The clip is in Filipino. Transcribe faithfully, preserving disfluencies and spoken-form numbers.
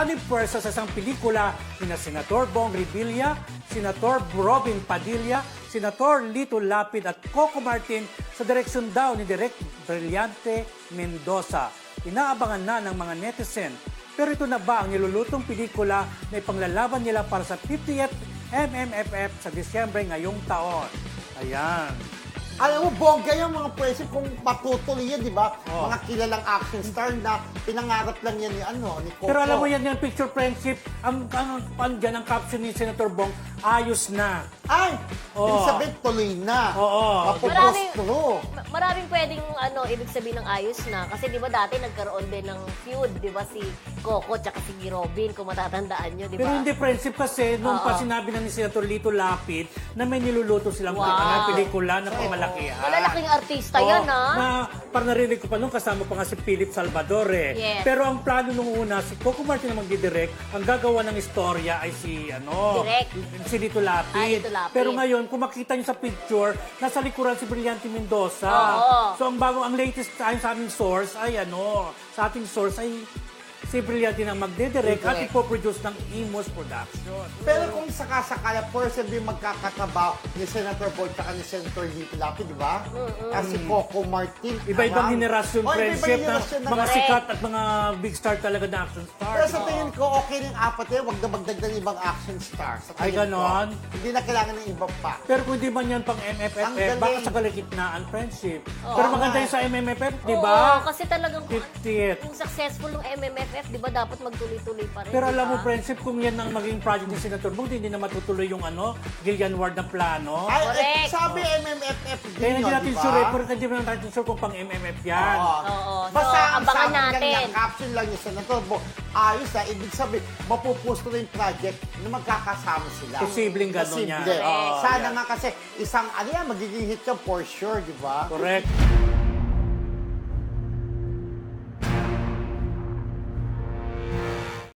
Ani pwersa sa isang pelikula ni na Senator Bong Revilla, Senator Robin Padilla, Senator Lito Lapid at Coco Martin sa direksyon daw ni Direk Brillante Mendoza. Inaabangan na ng mga netizen. Pero ito na ba ang nilulutong pelikula na ipanglalaban nila para sa fiftieth M M F F sa Disyembre ngayong taon? Ayan. Alam mo, bongga yung mga pwede kung patutuloy yan, di ba? Oh. Mga kilalang action star na pinangarap lang yan ni, ano, ni Coco. Pero alam mo yan, yung picture friendship, ang, ang, ang, dyan, ang caption ni Senator Bong, ayos na. Ay! Oo. Ibig sabihin, tuloy na. Oo. Mapupostro. Ma- maraming pwedeng ano, ibig sabihin ng ayos na. Kasi di ba dati nagkaroon din ng feud, di ba si Coco tsaka si Robin, kung matatandaan nyo, di ba? Pero hindi friendship kasi, nung Oo. pa sinabi na ni Senator Lito Lapid na may niluluto silang Wow. wow. pelikula na pamalakihan. Malalaking artista Oo, yan, ha? Na parang narinig ko pa nung kasama pa nga si Philip Salvador eh. Yes. Pero ang plano nung una, si Coco Martin na magdidirect, ang gagawa ng istorya ay si, ano, Direct. si Lito Lapid. Ah, Lito Lapid. Pero ngayon, kung makita niyo sa picture, nasa likuran si Brillante Mendoza. Oo. So ang bago, ang latest ayon sa aming source ay ano, sa ating source ay si Brillante na magdidirect at Direct. ipoproduce ng Imos Production. Pero kung sakasakala, person din magkakatabaw ni Senator Boyd at ni Senator Lito Lapid, di ba? At si Coco Martin. Iba-ibang Ayan. henerasyon, Oh, iba-ibang friendship, na henerasyon na mga correct. sikat at mga big star talaga na action star. Pero sa tingin ko, okay ng apat eh. Huwag na magdagdag ng ibang action star. Sa Ay, tingin ko. ganon? Hindi na kailangan ng ibang pa. Pero kung di man yan pang M F F, Ang eh, baka galing. sa kalagitnaan friendship. Oo. Pero maganda yun sa M M F F, di Oo, ba? kasi talagang fiftieth. yung successful ng M M F F, di ba dapat magtuloy-tuloy pa rin, Pero di alam mo, ba? friendship, kung yan ang maging project ni Senator Bong, hindi na matutuloy yung ano, Gillian Ward na plano. Ay, eh, Correct. sabi M M F F din Kaya hindi yun, natin di ba? sure, eh, pero hindi natin sure kung pang M M F yan. Oo. Oo. So, Basta ang abangan sabi lang natin. niya, caption lang niya sa Senator Bo, ayos na, ibig sabihin, mapupusto na yung project na magkakasama sila. Posibleng ganun Posible. yan. Correct. Sana yan. nga kasi isang, ano yan, magiging hit yan for sure, di ba? Correct.